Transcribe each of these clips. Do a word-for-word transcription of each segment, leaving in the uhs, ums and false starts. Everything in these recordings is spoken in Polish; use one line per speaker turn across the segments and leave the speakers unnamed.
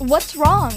What's wrong?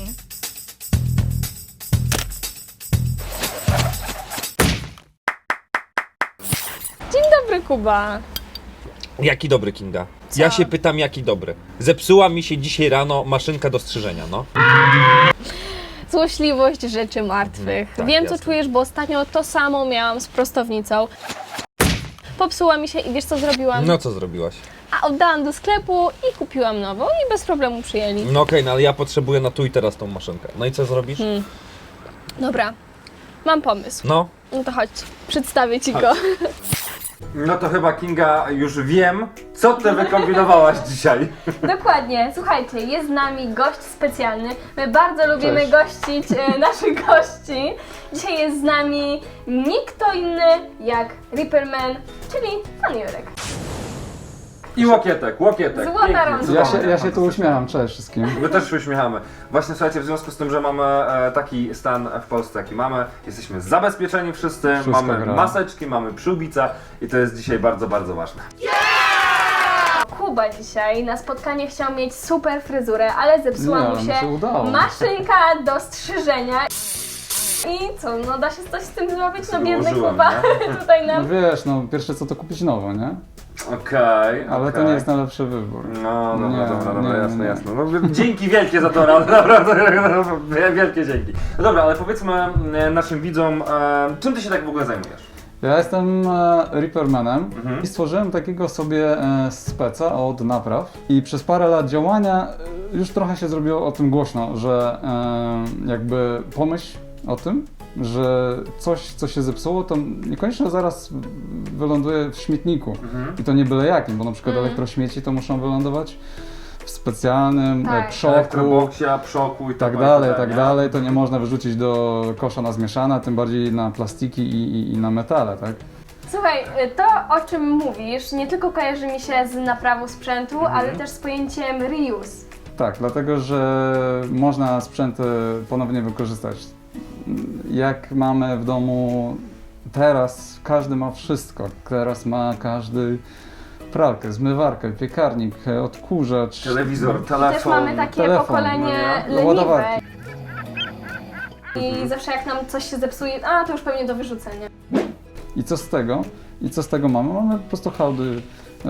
Dzień dobry, Kuba.
Jaki dobry, Kinga? Ja się pytam, jaki dobry. Zepsuła mi się dzisiaj rano maszynka do strzyżenia, no.
Złośliwość rzeczy martwych.
tak,
Wiem,
jasne.
co czujesz, bo ostatnio to samo miałam z prostownicą. Popsuła mi się i wiesz, co zrobiłam?
No co zrobiłaś?
A oddałam do sklepu i kupiłam nową i bez problemu przyjęli.
No okej, no ale ja potrzebuję na tu i teraz tą maszynkę. No i co zrobisz?
Hmm. Dobra, mam pomysł.
No.
No to chodź, przedstawię Ci go.
No to chyba, Kinga, już wiem, co ty wykombinowałaś dzisiaj.
Dokładnie, słuchajcie, jest z nami gość specjalny. My bardzo lubimy
Cześć.
gościć e, naszych gości. Dzisiaj jest z nami nikt kto inny jak Ripperman, czyli pan Jurek.
I łokietek, łokietek.
Złota
Pięknie,
rączka.
cudownie,
Ja się, ja się tu
fantastycznie.
uśmiecham, cześć wszystkim.
My też się uśmiechamy. Właśnie słuchajcie, w związku z tym, że mamy e, taki stan w Polsce, jaki mamy, jesteśmy zabezpieczeni wszyscy,
Wszystko
mamy
gra.
maseczki, mamy przyłbice i to jest dzisiaj bardzo, bardzo ważne.
Kuba dzisiaj na spotkanie chciał mieć super fryzurę, ale zepsuła
Nie,
mu
ale
się,
mu się udało.
maszynka do strzyżenia. I co, no da się coś z tym zrobić? No biedny
Ułożyłem,
Kuba tutaj
No
nam...
wiesz, no pierwsze co to kupić nowo, nie?
Okej,
Ale
okej.
to nie jest najlepszy wybór.
No, dobra,
Nie,
dobra, dobra,
nie,
jasne,
nie.
jasne. No, dzięki wielkie za to radę, naprawdę, wielkie dzięki. No dobra, ale powiedzmy e, naszym widzom, e, czym ty się tak w ogóle zajmujesz?
Ja jestem e, Rippermanem
Mhm.
i stworzyłem takiego sobie e, speca od napraw i przez parę lat działania e, już trochę się zrobiło o tym głośno, że e, jakby pomyśl o tym, że coś, co się zepsuło, to niekoniecznie zaraz wyląduje w śmietniku.
Mhm.
I to nie byle jakim, bo na przykład
Mhm.
elektrośmieci to muszą wylądować w specjalnym
Tak.
tak. przoku,
Elektroboksia, przoku i
tak
tak
dalej, tak dalej. To nie można wyrzucić do kosza na zmieszane, tym bardziej na plastiki i, i, i na metale, tak?
Słuchaj, to o czym mówisz nie tylko kojarzy mi się z naprawą sprzętu,
Mhm.
ale też z pojęciem reuse.
Tak, dlatego że można sprzęty ponownie wykorzystać. Jak mamy w domu teraz, każdy ma wszystko. Teraz ma każdy pralkę, zmywarkę, piekarnik, odkurzacz.
Telewizor, telefon.
Też mamy takie
telefon,
pokolenie
no nie?
leniwe.
Ładowarki.
I zawsze jak nam coś się zepsuje, a to już pewnie do wyrzucenia.
I co z tego? I co z tego mamy? Mamy po prostu hałdy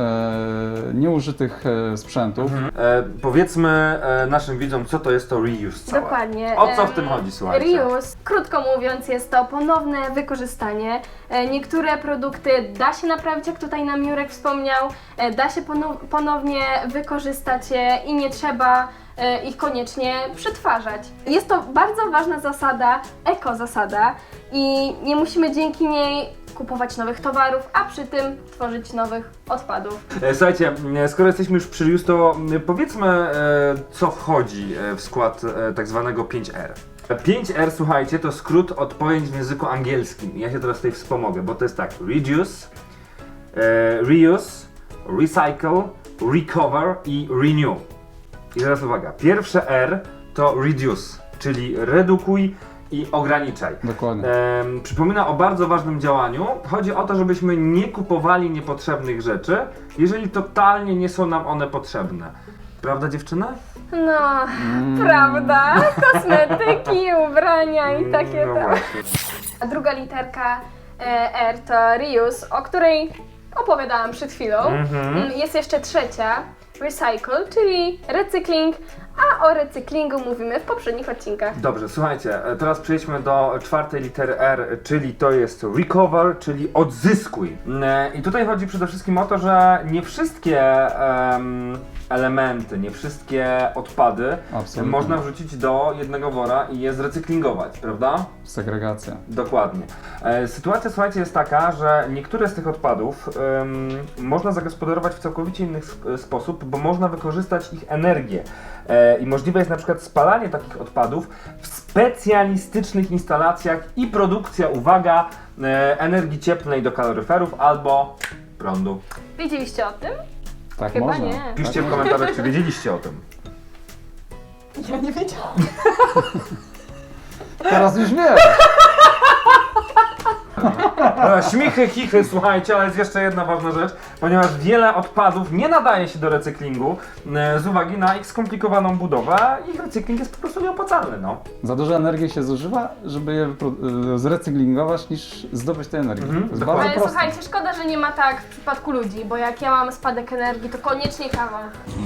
e, nieużytych e, sprzętów.
Mhm. E, powiedzmy e, naszym widzom, co to jest to reuse całe.
Dokładnie.
O co w
Em,
tym chodzi, słuchajcie?
Reuse, krótko mówiąc, jest to ponowne wykorzystanie. E, Niektóre produkty da się naprawić, jak tutaj nam Jurek wspomniał, e, da się ponow- ponownie wykorzystać je i nie trzeba e, ich koniecznie przetwarzać. Jest to bardzo ważna zasada, eko-zasada i nie musimy dzięki niej kupować nowych towarów, a przy tym tworzyć nowych odpadów.
E, Słuchajcie, e, skoro jesteśmy już przy reuse, to e, powiedzmy, e, co wchodzi e, w skład e, tak zwanego pięć R. pięć R, słuchajcie, to skrót od pojęć w języku angielskim. Ja się teraz tutaj wspomogę, bo to jest tak: reduce, e, reuse, recycle, recover i renew. I teraz uwaga, pierwsze R to reduce, czyli redukuj i ograniczaj.
Dokładnie.
Em, przypomina o bardzo ważnym działaniu. Chodzi o to, żebyśmy nie kupowali niepotrzebnych rzeczy, jeżeli totalnie nie są nam one potrzebne. Prawda, dziewczyny?
No,
Mm.
prawda? Kosmetyki, ubrania i takie
No
tam.
właśnie.
A druga literka e, R to reuse, o której opowiadałam przed chwilą.
Mhm.
Mm, Jest jeszcze trzecia, recycle, czyli recykling, a o recyklingu mówimy w poprzednich odcinkach.
Dobrze, słuchajcie, e, teraz przejdźmy do czwartej litery R, czyli to jest recover, czyli odzyskuj. E, I tutaj chodzi przede wszystkim o to, że nie wszystkie em, elementy, nie wszystkie odpady
Absolutnie.
można wrzucić do jednego wora i je zrecyklingować, prawda?
Segregacja.
Dokładnie. E, Sytuacja, słuchajcie, jest taka, że niektóre z tych odpadów em, można zagospodarować w całkowicie inny sp- sposób, bo można wykorzystać ich energię. E, I możliwe jest na przykład spalanie takich odpadów w specjalistycznych instalacjach i produkcja, uwaga, e, energii cieplnej do kaloryferów albo prądu.
Wiedzieliście o tym?
Tak
Chyba
można.
nie.
Piszcie w komentarzach, czy wiedzieliście o tym.
Ja nie wiedziałam.
Teraz już wiem.
Dobra, śmichy, chichy, słuchajcie, ale jest jeszcze jedna ważna rzecz, ponieważ wiele odpadów nie nadaje się do recyklingu e, z uwagi na ich skomplikowaną budowę, ich recykling jest po prostu nieopłacalny, no.
Za dużo energii się zużywa, żeby je wypro- y, zrecyklingować, niż zdobyć tej energii.
Mhm,
To jest
dokładnie.
bardzo
Ale
proste.
słuchajcie, szkoda, że nie ma tak w przypadku ludzi, bo jak ja mam spadek energii, to koniecznie kawa.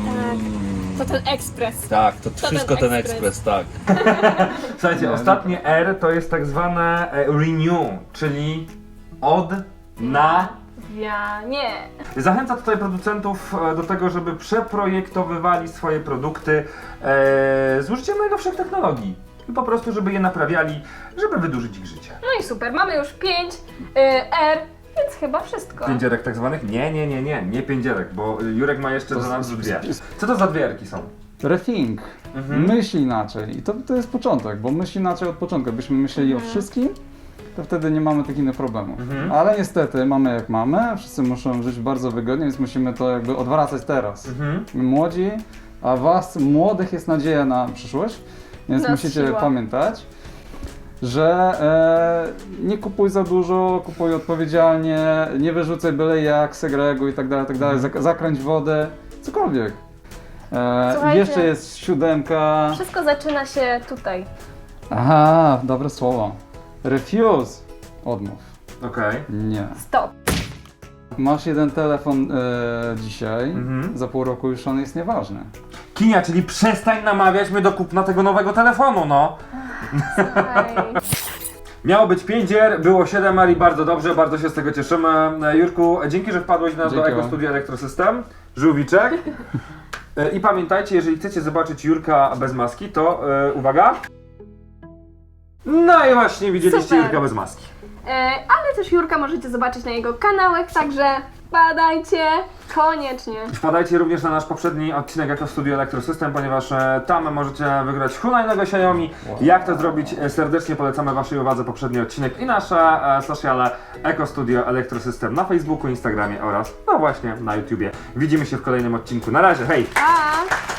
To ten ekspres.
Tak, to,
ten
wszystko ten
ekspres.
ekspres, tak.
Słuchajcie,
Nie,
ostatnie R to jest tak zwane e, renew, czyli od, na.
Ja nie.
Zachęca tutaj producentów e, do tego, żeby przeprojektowywali swoje produkty e, z użyciem najnowszych technologii. I po prostu, żeby je naprawiali, żeby wydłużyć ich życie.
No i super, mamy już pięć R, więc chyba wszystko.
Pięcierek tak zwanych? Nie, nie, nie, nie, nie pięcierek, bo Jurek ma jeszcze
To
za nas
z-
dwie.
z-
Co to za dwie erki są?
Rethink.
Mhm.
Myśl inaczej. I to, to jest początek, bo myśl inaczej od początku. Jakbyśmy myśleli o wszystkim, to wtedy nie mamy takich innych problemów.
Mhm.
Ale niestety mamy jak mamy, wszyscy muszą żyć bardzo wygodnie, więc musimy to jakby odwracać teraz.
Mhm.
My młodzi, a was młodych jest nadzieja na przyszłość, więc
Nas
musicie
siła.
pamiętać, że e, nie kupuj za dużo, kupuj odpowiedzialnie, nie wyrzucaj byle jak, segreguj i tak dalej, tak dalej, zak- zakręć wodę, cokolwiek. E,
Słuchajcie.
jeszcze jest siódemka.
Wszystko zaczyna się tutaj.
Aha, dobre słowo. Refuse. Odmów.
Okej.
Nie.
Stop.
Masz jeden telefon e, dzisiaj,
Mhm.
za pół roku już on jest nieważny.
Kinia, czyli przestań namawiać mnie do kupna tego nowego telefonu, no.
Słuchaj.
Miało być pięć R, było siedem R i bardzo dobrze, bardzo się z tego cieszymy. E, Jurku, dzięki, że wpadłeś na, do
Dzięki
Eko
wam.
Studio Elektrosystem. Żółwiczek. E, I pamiętajcie, jeżeli chcecie zobaczyć Jurka bez maski, to e, uwaga. No i właśnie widzieliście
Super.
Jurka bez maski.
E, ale też Jurka możecie zobaczyć na jego kanałach, także badajcie koniecznie.
Wpadajcie również na nasz poprzedni odcinek Eko Studio Elektrosystem, ponieważ e, tam możecie wygrać hulajnego Xiaomi. Jak to zrobić? E, Serdecznie polecamy waszej uwadze poprzedni odcinek i nasze e, sociale Eko Studio Elektrosystem na Facebooku, Instagramie oraz no właśnie na YouTubie. Widzimy się w kolejnym odcinku. Na razie, hej!
Pa!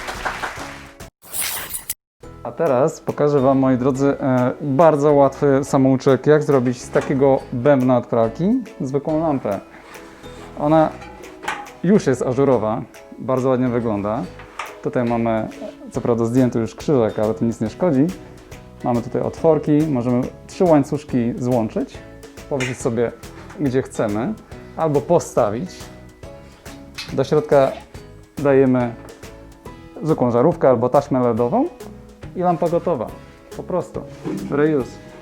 A teraz pokażę wam, moi drodzy, e, bardzo łatwy samouczek, jak zrobić z takiego bębna od pralki zwykłą lampę. Ona już jest ażurowa, bardzo ładnie wygląda. Tutaj mamy, co prawda zdjęty już krzyżek, ale to nic nie szkodzi. Mamy tutaj otworki, możemy trzy łańcuszki złączyć, położyć sobie gdzie chcemy, albo postawić. Do środka dajemy zwykłą żarówkę albo taśmę LEDową i lampa gotowa. Po prostu. Reuse.